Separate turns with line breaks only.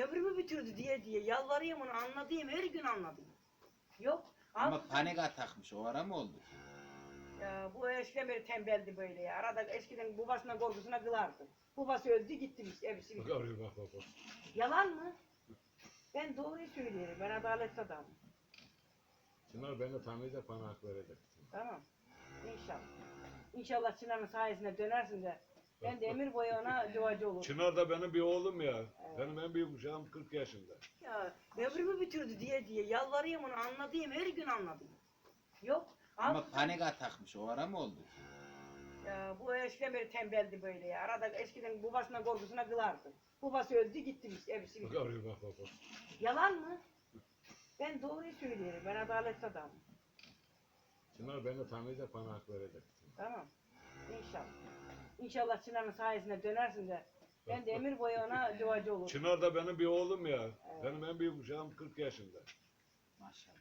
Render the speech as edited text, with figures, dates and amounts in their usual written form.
ömrümü bitirdi diye yalvarayım onu anladığım her gün anladım. Yok.
Ama panik atakmış. O ara mı oldu?
Ya, bu eskiden beri tembeldi böyle ya. Arada eskiden babasına korkusuna kılardı. Babası öldü gitti işte hepsi.
Bak arıyor bak.
Yalan mı? Ben doğruyu söylüyorum. Ben adaletli adamım.
Çınar beni tanıyacak, bana hak verecek.
Tamam. İnşallah. İnşallah Çınar'ın sayesinde dönersin de ben de ömür boyu ona duacı olurum.
Çınar da benim bir oğlum ya.
Evet.
Benim en büyük uşağım 40 yaşında.
Ya ömrümü bitirdi diye yalvarayım onu anladığım her gün anladım. Yok.
Ama panik atakmış. O ara mı oldu?
Ya, bu eskiden beri tembeldi böyle ya. Arada eskiden babasına korkusuna kılardı. Babası öldü gitti işte hepsi.
Bak arıyor bak.
Yalan mı? Ben doğruyu söylüyorum. Ben adaletli adamım.
Çınar beni tanıyacak, bana hak verecek.
Tamam. İnşallah. İnşallah Çınar'ın sayesinde dönersin de ben de ömür boyu ona duacı olurum.
Çınar da benim bir oğlum ya.
Evet.
Benim en büyük uşağım 40 yaşında.
Maşallah.